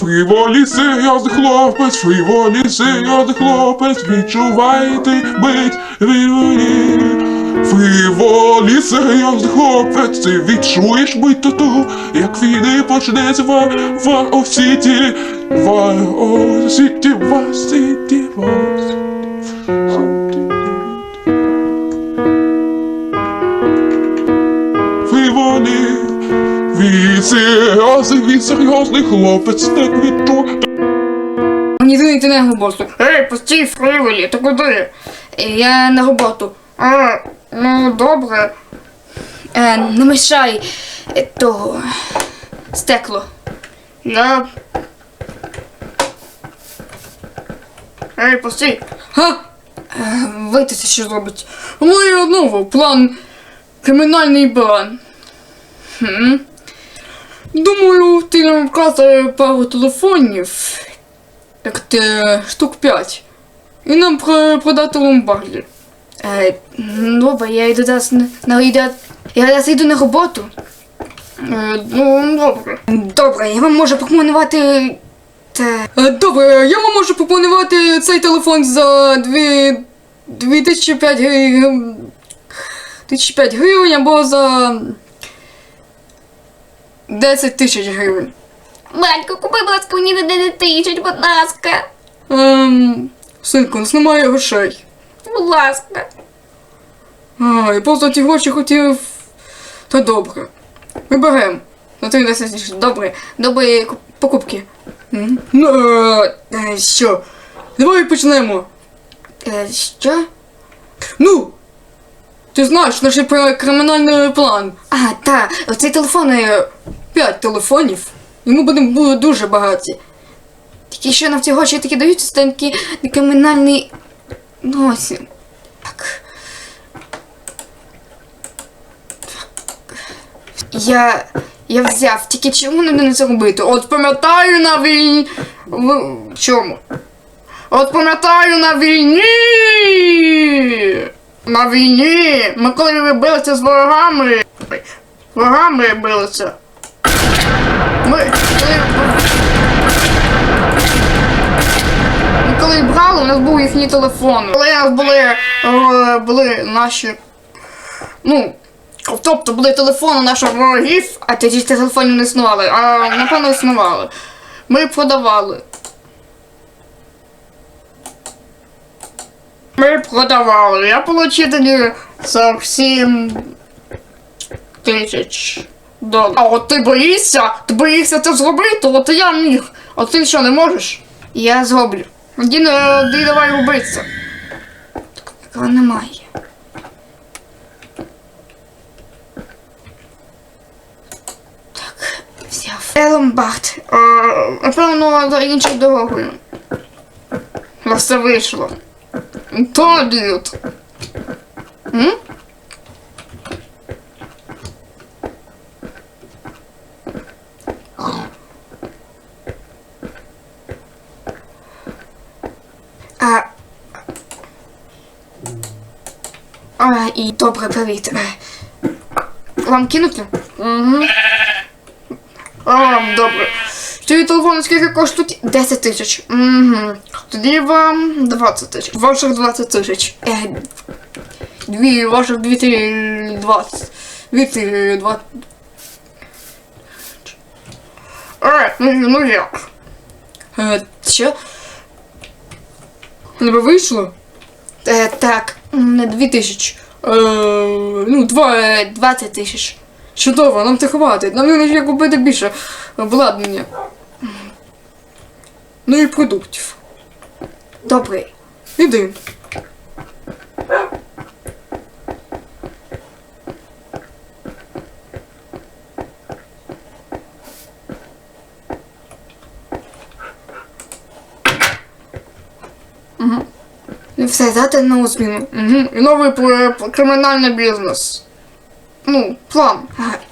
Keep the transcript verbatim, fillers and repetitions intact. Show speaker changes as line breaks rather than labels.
Фріволі серйозний хлопець, фріволі серйозний хлопець, відчувайте бить фріволі. Фріволі серйозний хлопець, ти відчуєш бить тату, як війни почнеться War of City, War of City, War City, War City. Фріволі, він серйозний, він серйозний хлопець, так відчує.
Мені дзвонити на роботу. Ей, постій, Фріволі, ти куди? Я на роботу. А, ну добре. Е, не мішай е, того стекло. Я... Ей, постій. Га? Е, витися, що зробить. Ну і одного, план, кримінальний план. Хм. Думаю, ти нам вказує пару телефонів, як ти штук п'ять, і нам продати ломбарді. Е, добре, я йду зараз на, на я зараз йду на роботу. Е, ну, добре. Добре, я вам можу пропонувати... Те... Е, добре, я вам можу пропонувати цей телефон за дві... дві тисячі п'ять гривень... тисячі п'ять гривень або за... десять тисяч гривень.
Батько, купи, будь ласка, мені на десять тисяч, будь ласка.
Ем... Синку, у нас немає грошей.
Будь ласка.
А, я просто ті гроші хотів... Та добре. Ми беремо. На три десять тисяч. Добре. Добрі покупки. М? Ну, е, е, що? Давай почнемо. Е, що? Ну! Ти знаєш наш кримінальний план. А, так. Оцей телефон, е, п'ять телефонів. І ми будемо дуже багаті. Тільки що нам ці гроші такі даються, це такий кримінальний... Носім. Так. Я... Я взяв, тільки чому не не це робити? От пам'ятаю на війні... В чому? От пам'ятаю на війні! На війні! Ми коли билися з ворогами... Ворогами билися. Ми... Коли... Ми коли брали, у нас був їхній телефон. Коли у нас були... Е, були наші... Ну... Тобто були телефони наших ворогів, а тоді телефонів не існували, а напевно існували. Ми продавали. Ми продавали. Я отримав тоді сорок сім тисяч доларів. А от ти боїшся? Ти боїшся це зробити? От я міг. А ти що, не можеш? Я зроблю. Тоді давай робитися. Такого немає. Ломбард. Напевно, за іншою дорогою. На все вийшло. То дід. М? А... А, і добре, привіт. Вам кинути? Угу. А, добре. Цей телефон скільки коштують? десять тисяч. Угу. Тоді вам двадцять тисяч. Ваших двадцять тисяч. Е, дві, ваших дві двадцять. Дві двадцять. Е, ну, ну як? Е, що? Не вийшло? Е, так, не дві тисячі. Е, ну, два, двадцять тисяч. Чудово, нам це хватить. Нам не треба купити більше обладнання. Ну і продуктів. Добре. Іди. Угу. І все, дати нову зміну. Угу. І новий кримінальний бізнес. Ну, план. А,